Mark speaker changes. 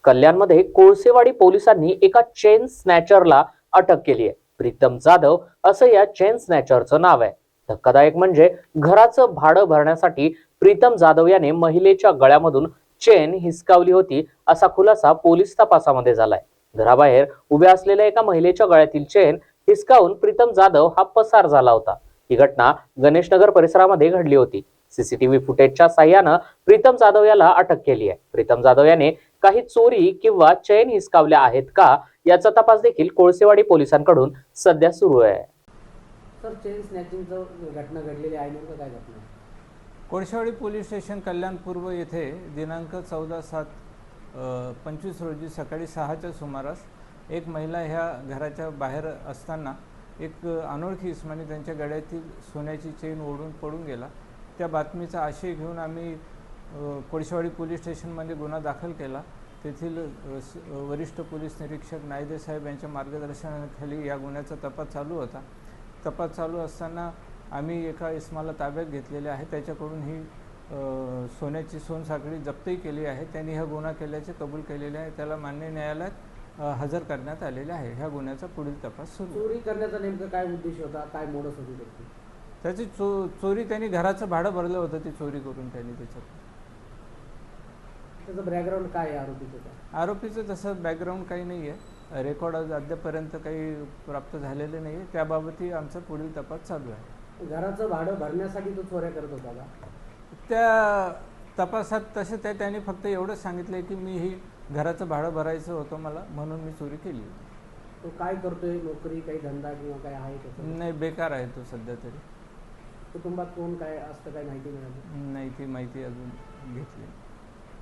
Speaker 1: कल्याणमध्ये कोळसेवाडी पोलिसांनी एका चेन स्नॅचरला अटक केली आहे। प्रीतम जाधव असं या चेन स्नॅचरचं नाव आहे। धक्कादायक म्हणजे घराचं भाडं भरण्यासाठी प्रीतम जाधव याने महिलेच्या गळ्यामधून चेन हिसकावली होती असा खुलासा पोलीस तपासामध्ये झालाय। घराबाहेर उभ्या असलेल्या एका महिलेच्या गळ्यातील चेन हिसकावून प्रीतम जाधव हा पसार झाला होता। ही घटना गणेशनगर परिसरामध्ये घडली होती। सीसीटीव्ही फुटेजच्या साह्यानं प्रीतम जाधव याला अटक केली आहे। प्रीतम जाधव याने काही चोरी किंवा चैन हिसकावल्या आहेत का याचा तपास देखील कोळसेवाडी पोलिसांकडून सध्या सुरू आहे।
Speaker 2: सर, चेन स्नॅचिंगचं घटना घडलेली आहे, नेमकं काय घटना आहे?
Speaker 3: कोळसेवाडी पोलीस स्टेशन कल्याण पूर्व येथे दिनांक 14/7/25 रोजी सकाळी 6च्या सुमारास एक महिला ह्या घराच्या बाहेर असताना एक अनोळखी इसमाने त्यांच्या गळ्यातील सोन्याची चेन ओढून पडून गेला। त्या बातमीचा आशय घेऊन आम्ही कोळसेवाडी पोलीस स्टेशनमध्ये गुन्हा दाखल केला। तेथील वरिष्ठ पोलीस निरीक्षक नायदे साहेब यांच्या मार्गदर्शनाखाली या गुन्ह्याचा तपास चालू होता। तपास चालू असताना आम्ही एका इसमाला ताब्यात घेतलेले आहे। त्याच्याकडून ही सोन्याची सोनसाखळी जप्तही केली आहे। त्यांनी हा गुन्हा केल्याचे कबूल केलेले आहे। त्याला मान्य न्यायालयात हजर करण्यात आलेले आहे। ह्या गुन्ह्याचा पुढील तपास सुरू।
Speaker 2: चोरी करण्याचा नेमका काय उद्देश होता, काय मोडस होती त्याची?
Speaker 3: चोरी त्यांनी घराचं भाडं भरलं होतं, ती चोरी करून त्यांनी
Speaker 2: त्याचं बॅकग्राऊंड काय आहे आरोपीचं?
Speaker 3: आरोपीचं तसं बॅकग्राऊंड काही नाही आहे। रेकॉर्ड अद्यापर्यंत काही प्राप्त झालेले नाही आहे। त्याबाबतही आमचा पुढील तपास चालू आहे।
Speaker 2: घराचं भाडं भरण्यासाठी तो चोऱ्या करत होता का?
Speaker 3: त्या तपासात तसे त्यांनी फक्त एवढंच सांगितलं की मी ही घराचं भाडं भरायचं होतं मला, म्हणून मी चोरी केली होती।
Speaker 2: तो काय करतोय? नोकरी, काही धंदा किंवा काय आहे त्याचा?
Speaker 3: नाही, बेकार आहे तो सध्या तरी।
Speaker 2: कुटुंबात कोण काय असतं, काय माहिती मिळाली?
Speaker 3: नाही, ती माहिती अजून घेतली।